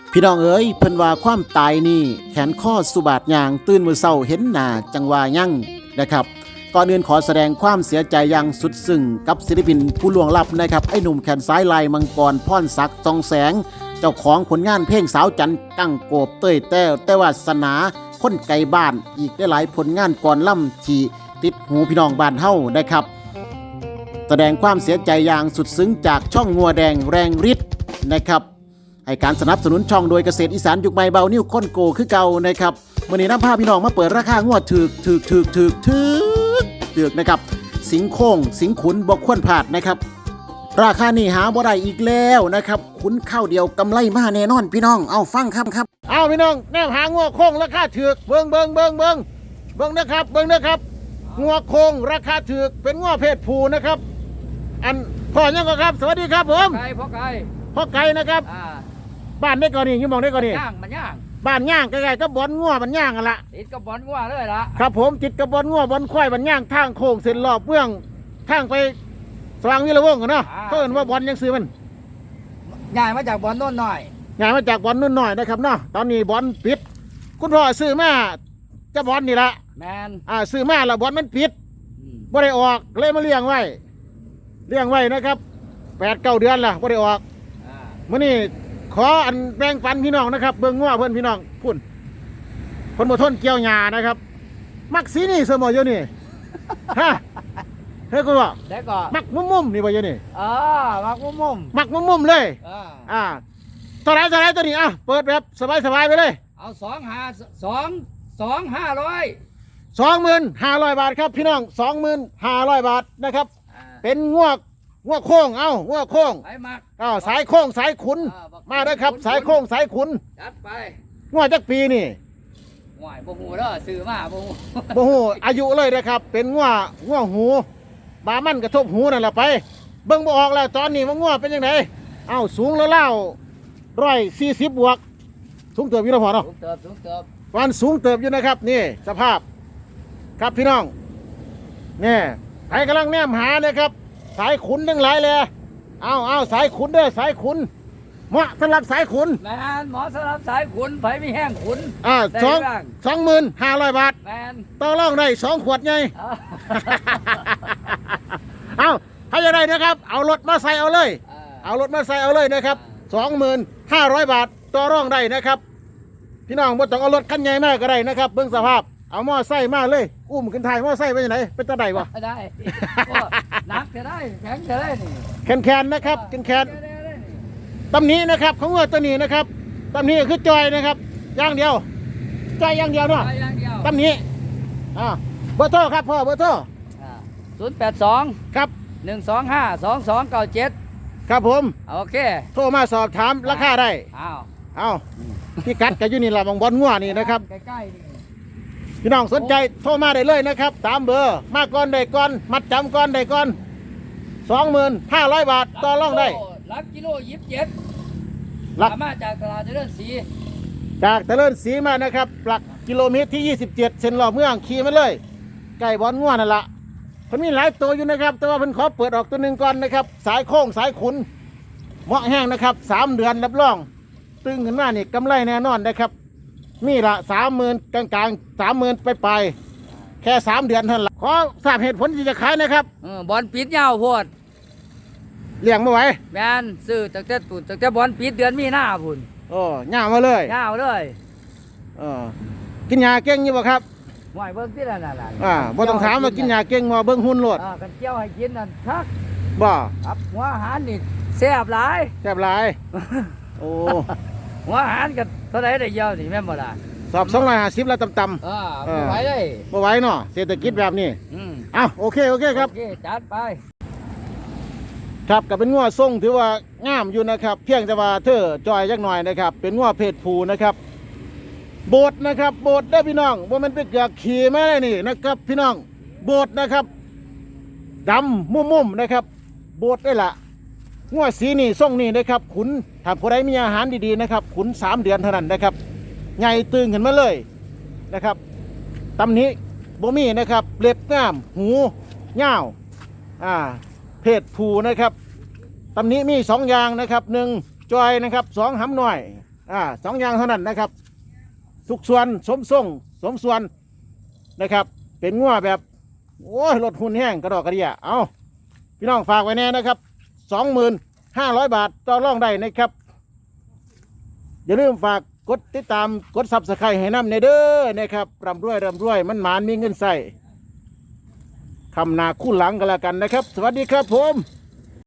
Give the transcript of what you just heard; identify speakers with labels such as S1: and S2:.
S1: พี่น้องเอ๋ยเพิ่นว่าความตายนี่แขนข้อสุบาทยางตื่นมือเศร้าเห็นหน้าจังว่ายั่งนะครับก่อนอื่นขอแสดงความเสียใจอย่างสุดซึ้งกับศิลปินผู้ล่วงลับนะครับไอ้หนุ่มแขนซ้ายลายมังกรพรศักดิ์ทองแสงเจ้าของผลงานเพลงสาวจันกั้งโกบเต้ยแต้วแต่วาสนาคนไกลบ้านอีกได้หลายผลงานก่อนล่ำที่ติดหูพี่น้องบ้านเฮานะครับแสดงความเสียใจอย่างสุดซึ้งจากช่องงัวแดงแรงฤทธิ์นะครับให้การสนับสนุนช่องโดยเกษตรอีสานยุคใหม่เบานิ้วค้นโกคือเก่านะครับวันนี้น้ำผ้าพี่น้องมาเปิดราคางวดถึกนะครับสิงโค้งสิงขุนบกควรพลาดนะครับราคานี่หาบ่ได้อีกแล้วนะครับขุนข้าวเดียวกำไรมาแน่นอนพี่น้องเอาฟังครับเอาพี่น้องแนวหางวโค้งราคาถึกเบิ่งนะครับงัวโค้งราคาถึกเป็นงัวเพศผู้นะครับอันพ่อยังก็ครับสวัสดีครับผม
S2: พ่อไก่
S1: นะครับบ้านได้ก่อนนี่มองได้ก่อนนี่
S2: ย่างมันย่าง
S1: บ้านย่างใกล้ๆก็บ่อนงัวมันย่างกันละ
S2: ติดกับบอนงัวเลยละ
S1: ครับผมติดกับบ่อนงัวบ่อนควายมันย่างทางโค้งเส้นรอบเมืองทางไปสว่างวิรวงศ์กันเนาะเขาเอิ้นว่าบ่อนยังซื้อมัน
S2: ย่างมาจากบอนโน่นหน่อย
S1: ย่างมาจากบ่อนนู่นหน่อยนะครับเนาะตอนนี้บ่อนปิดคุณพ่อซื้อมาจะบ่อนนี่ละ
S2: แมน
S1: ซื้อมาแล้วบ่อนมันปิดบ่ได้ออกเลยมาเลี้ยงไว้นะครับ8-9 เดือนละบ่ได้ออกมื้อนี้ขออันแบ่งปันพี่น้องนะครับเบิ่งงัวเพิ่นพี่น้องพุ่นคนบ่ทนเกี่ยวหญ้านะครับมักสีนี่เสมออยู่นี่ฮะเฮ้ยกูบอก
S2: แล้วก็
S1: มักมุมๆนี่บ่อยู่นี่
S2: มัก
S1: มุมเลยเท่าไหร่ตัวนี้เปิดแบบสบายไปเลย
S2: เอา2,500
S1: 25,000 บาทครับพี่น้อง 25,000 บาทนะครับเป็นงัวโค้งงัวโค้งสายโค้งสายขุนมาได้ครับสายโค้งสายขุน
S2: จัดไป
S1: งัวจักปีนี่
S2: ง่วยบ่ฮู้เด้อซื้อมาบ่
S1: ฮู้อายุเลยนะครับเป็นงัวหูบามันกระทบหูนั่นแหละไปเบิ่งบ่ออกแล้วตอนนี้ว่างัวเป็นยังไงสูงแล้ว140 บวกสูงเติบอยู่แล้วพอเนาะ
S2: สูงเติบ
S1: วันสูงเติบอยู่นะครับนี่สภาพครับพี่น้องนี่ใครกำลังแนมหานะครับสายขุนทั้งหลายเลยเอาสายขุนเด้อสายขุนเหมาะสำหรับสายขุน
S2: แมนเหมาะสำหรับสายขุนไผมีแห้งขุน
S1: 25,000 บาท
S2: แมน
S1: ต่อรองได้2 ขวดไงให้ยังไงนะครับเอารถมาใส่เอาเลยนะครับ25,000 บาทต่อรองได้นะครับพี่น้องบ่ต้องเอารถคันใหญ่มากก็ได้นะครับเบิ่งสภาพเอามอไซค์มาเลยอุ้มขึ้นท้ายมอไซค์ไปไหนเป็นตาใดวะ
S2: ได้หนักจะได้แข็งจะได้นี่
S1: แคนนะครับแคนตำนี้นะครับของวัวตัวนี้นะครับตำนี้คือจอยนะครับอย่างเดียวจอยอย่างเดียวเนาะตำนี้เบอร์โทรครับพ่อเบอร์โทร
S2: 082
S1: ครับ
S2: 125 2297
S1: ครับผม
S2: โอเค
S1: โทรมาสอบถามราคาได้พี่กัดกับยูนี่ละบางบอลงัวนี่นะครับ
S2: ใกล้ๆนี่
S1: พี่น้องสนใจโทรมาได้เลยนะครับตามเบอร์มาก่อนได้ก่อนมัดจำก่อนได้ก่อน25,000 บาทต่อรองได้
S2: หลักกิโล27หลักมาจากตลาดเจริญศรี
S1: มานะครับหลักกิโลเมตรที่27เส้นรอบเมืองขี่มาเลยใกล้บอลงัวนั่นละเพิ่นมีหลายตัวอยู่นะครับแต่ว่าเพิ่นขอเปิดออกตัวหนึ่งก่อนนะครับสายโค้งสายขุนเหมาะแห้งนะครับ3 เดือนรับรองตึงขึ้นมานี่กำไรแน่นอนนะครับนี่ละ30,000กลาง30,000ไปแค่3 เดือนเท่านั้นละขอทราบเหตุผลที่จะขายนะครับ
S2: บอลปิดยาวโพด
S1: เลี้ยงไม่ไหว
S2: แมนซื้อตั้งแต่บอลปิดเดือนมีนาพุ่น
S1: ย่ามาเลยกินยาเก่งอยู่บ่ครับ
S2: หวยเบิ้งที่นั่น
S1: บ่ต้องถามว่ากินยาเก่งบ่เบิ้งหุ่นโลด
S2: กันเจียวให้กินนั่นทัก
S1: บ่
S2: ครับหัวอาหารนี่แซ่บหลาย
S1: โอ้
S2: หัวอาหารกันเท่าไหร่ได้เยอะนี่แม่นบ่ล่ะ
S1: สอบ250แล้วต่ำ
S2: บ่ไหวเลย
S1: บ่ไหวเนาะเศรษฐกิจแบบนี้โอเคครับ
S2: โอเคจัดไป
S1: ครับกับเป็นงัวทรงถือว่างามอยู่นะครับเพียงแต่ว่าเธอจอยจักหน่อยนะครับเป็นงัวเพศผู้นะครับโบดนะครับโบดได้พี่น้องว่ามันเป็นเกือกขี่ไม่ได้นี่นะครับพี่น้องโบดนะครับดำมุ่มนะครับโบดได้ละงัวสีนี่ทรงนี่นะครับขุนถ้าผู้ใดมีอาหารดีๆนะครับขุน3 เดือนเท่านั้นนะครับใหญ่ตึงขึ้นมาเลยนะครับตำนี้บ่มีนะครับเล็บงามหูยาวเพศผู้นะครับตำนี้มี2 อย่างนะครับ1จอยนะครับ2หำหน่อย 2อย่างเท่านั้นนะครับทุกส่วนสมทรงสมส่วนนะครับเป็นงัวแบบโอ้ยรถหุ่นแห้งกระดอกกระเดียเอาพี่น้องฝากไว้แน่นะครับ 25,000 บาทต่อรองได้นะครับอย่าลืมฝากกดติดตามกดซับสไครต์ให้น้ำในเด้อนะครับร่ำรวยมันหมานมีเงินใส่คำนาคู่หลังกันแล้วกันนะครับสวัสดีครับผม